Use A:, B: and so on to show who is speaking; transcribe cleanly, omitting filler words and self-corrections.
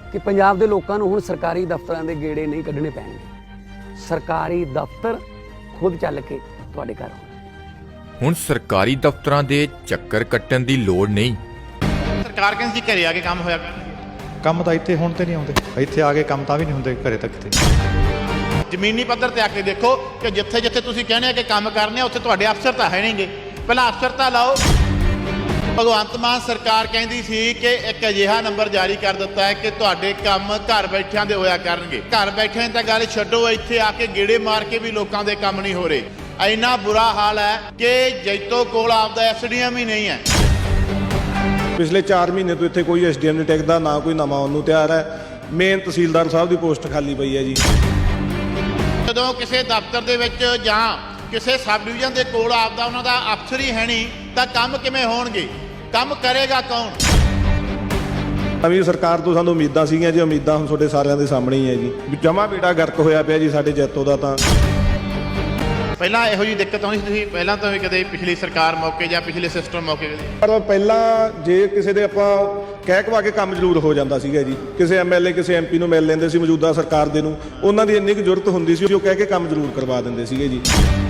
A: ਕਿ ਪੰਜਾਬ ਦੇ ਲੋਕਾਂ ਨੂੰ ਹੁਣ ਸਰਕਾਰੀ ਦਫ਼ਤਰਾਂ ਦੇ ਗੇੜੇ ਨਹੀਂ ਕੱਢਣੇ ਪੈਣਗੇ। ਸਰਕਾਰੀ ਦਫ਼ਤਰ ਖੁਦ ਚੱਲ ਕੇ ਤੁਹਾਡੇ ਘਰ ਆਉਣਗੇ।
B: ਹੁਣ ਸਰਕਾਰੀ ਦਫ਼ਤਰਾਂ ਦੇ ਚੱਕਰ ਕੱਟਣ ਦੀ ਲੋੜ ਨਹੀਂ।
C: ਸਰਕਾਰ ਕਹਿੰਦੀ ਘਰੇ ਆ ਕੇ ਕੰਮ ਹੋਇਆ
D: ਕੰਮ ਤਾਂ ਇੱਥੇ ਹੁਣ ਤੇ ਨਹੀਂ ਆਉਂਦੇ, ਇੱਥੇ ਆ ਕੇ ਕੰਮ ਤਾਂ ਵੀ ਨਹੀਂ ਹੁੰਦੇ ਘਰੇ ਤੱਕ ਤੇ।
C: ਜ਼ਮੀਨੀ ਪੱਧਰ ਤੇ ਆ ਕੇ ਦੇਖੋ ਕਿ ਜਿੱਥੇ ਜਿੱਥੇ ਤੁਸੀਂ ਕਹਿੰਦੇ ਆ ਕਿ ਕੰਮ ਕਰਨੇ ਆ ਉੱਥੇ ਤੁਹਾਡੇ ਅਫਸਰ ਤਾਂ ਹੈ ਨਹੀਂਗੇ। ਪਹਿਲਾਂ ਅਫਸਰ ਤਾਂ ਲਾਓ। ਭਗਵੰਤ ਮਾਨ ਸਰਕਾਰ ਕਹਿੰਦੀ ਸੀ ਕਿ ਇੱਕ ਅਜਿਹਾ ਨੰਬਰ ਜਾਰੀ ਕਰ ਦਿੱਤਾ ਹੈ ਕਿ ਤੁਹਾਡੇ ਕੰਮ ਘਰ ਬੈਠਿਆਂ ਦੇ ਹੋਇਆ ਕਰਨਗੇ। ਘਰ ਬੈਠਿਆਂ ਤਾਂ ਗੱਲ ਛੱਡੋ, ਇੱਥੇ ਆ ਕੇ ਗੇੜੇ ਮਾਰ ਕੇ ਵੀ ਲੋਕਾਂ ਦੇ ਕੰਮ ਨਹੀਂ ਹੋ ਰਹੇ। ਇੰਨਾ ਬੁਰਾ ਹਾਲ ਹੈ ਕਿ ਜੈਤੋ ਕੋਲ ਆਪਦਾ ਐਸਡੀਐਮ ਹੀ ਨਹੀਂ ਹੈ।
E: ਪਿਛਲੇ 4 ਮਹੀਨੇ ਤੋਂ ਇੱਥੇ ਕੋਈ ਐਸਡੀਐਮ ਨਹੀਂ ਟਿਕਦਾ, ਨਾ ਕੋਈ ਨਵਾਂ ਆਉਣ ਨੂੰ ਤਿਆਰ ਹੈ। ਮੇਨ ਤਹਿਸੀਲਦਾਰ ਸਾਹਿਬ ਦੀ ਪੋਸਟ ਖਾਲੀ ਪਈ ਹੈ ਜੀ।
C: ਜਦੋਂ ਕਿਸੇ ਦਫ਼ਤਰ ਦੇ ਵਿੱਚ ਜਾਂ ਕਿਸੇ ਸਬ ਡਿਵੀਜ਼ਨ ਦੇ ਕੋਲ ਆਪਦਾ ਉਹਨਾਂ ਦਾ ਅਫਸਰ ਹੀ ਹੈ ਨਹੀਂ ਤਾਂ ਕੰਮ ਕਿਵੇਂ ਹੋਣਗੇ? ਕੰਮ ਕਰੇਗਾ ਕੌਣ?
E: ਨਵੀਂ ਸਰਕਾਰ ਤੋਂ ਸਾਨੂੰ ਉਮੀਦਾਂ ਸੀਗੀਆਂ ਜੀ, ਉਮੀਦਾਂ ਹੁਣ ਤੁਹਾਡੇ ਸਾਰਿਆਂ ਦੇ ਸਾਹਮਣੇ ਹੀ ਹੈ ਜੀ। ਜਮਾ ਬੇੜਾ ਗਰਕ ਹੋਇਆ ਪਿਆ ਜੀ ਸਾਡੇ ਜੈਤੋ ਦਾ। ਤਾਂ
C: ਪਹਿਲਾਂ ਇਹੋ ਜਿਹੀ ਦਿੱਕਤ ਆਉਂਦੀ ਸੀ, ਤੁਸੀਂ ਪਹਿਲਾਂ ਤਾਂ ਵੀ ਕਦੇ ਪਿਛਲੀ ਸਰਕਾਰ ਮੌਕੇ ਜਾਂ ਪਿਛਲੇ ਸਿਸਟਮ ਮੌਕੇ
E: ਪਰ ਪਹਿਲਾਂ ਜੇ ਕਿਸੇ ਦੇ ਆਪਾਂ ਕਹਿ ਕਵਾ ਕੇ ਕੰਮ ਜ਼ਰੂਰ ਹੋ ਜਾਂਦਾ ਸੀਗਾ ਜੀ। ਕਿਸੇ ਐਮਐਲਏ ਕਿਸੇ ਐਮਪੀ ਨੂੰ ਮਿਲ ਲੈਂਦੇ ਸੀ ਮੌਜੂਦਾ ਸਰਕਾਰ ਦੇ ਨੂੰ, ਉਹਨਾਂ ਦੀ ਇੰਨੀ ਕੁ ਜ਼ਰੂਰਤ ਹੁੰਦੀ ਸੀ ਉਹ ਕਹਿ ਕੇ ਕੰਮ ਜ਼ਰੂਰ ਕਰਵਾ ਦਿੰਦੇ ਸੀਗੇ ਜੀ।